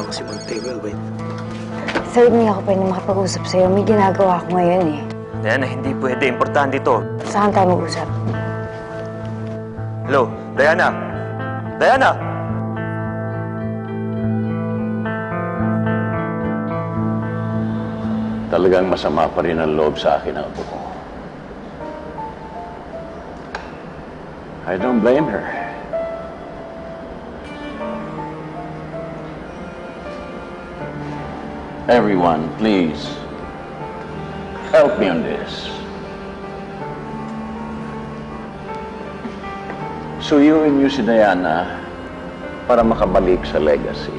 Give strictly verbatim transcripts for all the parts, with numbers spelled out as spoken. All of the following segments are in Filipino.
lang si Montego. Wait. Sir, hindi ako pwede makapag-usap sa'yo. May ginagawa ko ngayon eh. Diana, hindi pwede. Importante ito. Saan tayo mag-usap? Hello? Diana? Diana? Talagang masama pa rin ang loob sa akin ng apo ko. I don't blame her. Everyone, please, help me on this. Suyuin niyo si Diana para makabalik sa legacy.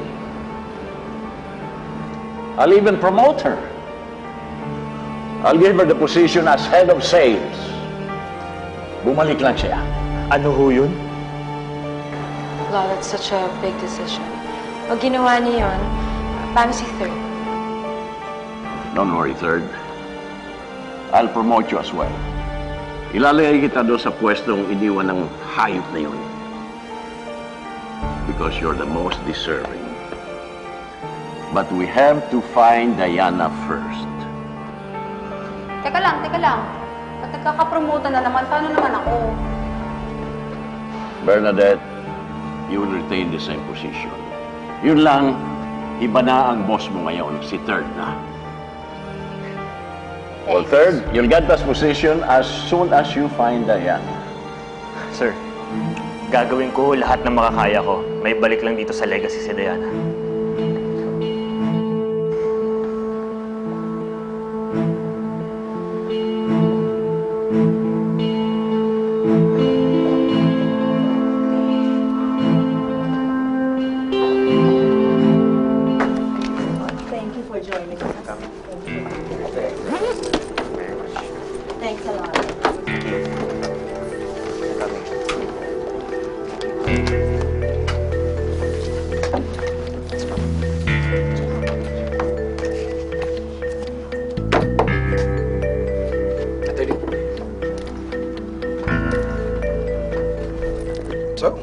I'll even promote her. I'll give her the position as head of sales. Bumalik lang siya. Ano ho yun? Law, that's such a big decision. Pag ginawa niya yun, paano si Third? Don't worry, Third. I'll promote you as well. Ilalagay kita doon sa pwestong iniwan ng hayop na yun. Because you're the most deserving. But we have to find Diana first. Teka lang, teka lang. Pag nagkakapromote na naman, paano naman ako? Bernadette, you will retain the same position. Yun lang, iba na ang boss mo ngayon, si Third na. Well, Third, you'll get that position as soon as you find Diana. Sir, gagawin ko lahat ng makakaya ko. May balik lang dito sa legacy si Diana. Thank you for joining us. Thanks a lot. Attorney. So?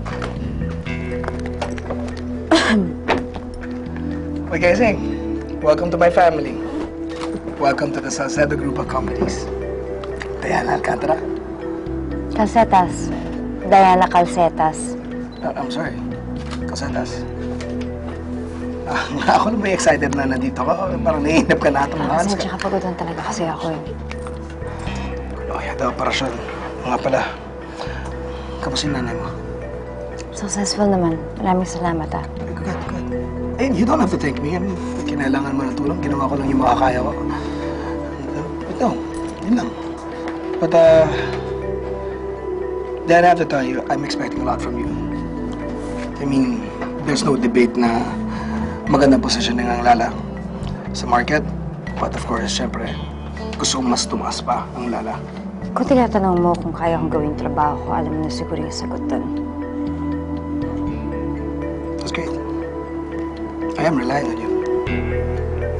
What can I say? Welcome to my family. Welcome to the Salcedo Group of Companies. Diana Alcantara. Calcetas. Diana Calcetas. Uh, I'm sorry. Casetas. Ah, ako lang ba excited na nandito ka? Parang naiinip ka na itong mga Kasi tsaka pagudan talaga kasi ako eh. Oh, yata operasyon. Nga pala. Kamusta yung nanay mo? Successful naman. Maraming salamat ah. Good, good. Eh, you don't have to thank me. I mean, kinailangan mo ng tulong. Ginawa ko lang yung makakaya ko. But no, yun lang. But, uh... Then I have to tell you, I'm expecting a lot from you. I mean, there's no debate na magandang positioning ang Lala sa market. But of course, syempre, gusto kong mas tumaas pa ang Lala. Kung tinatanong mo kung kaya kong gawing trabaho ko, alam mo na siguro yung sagot doon. That's great. I am relying on you.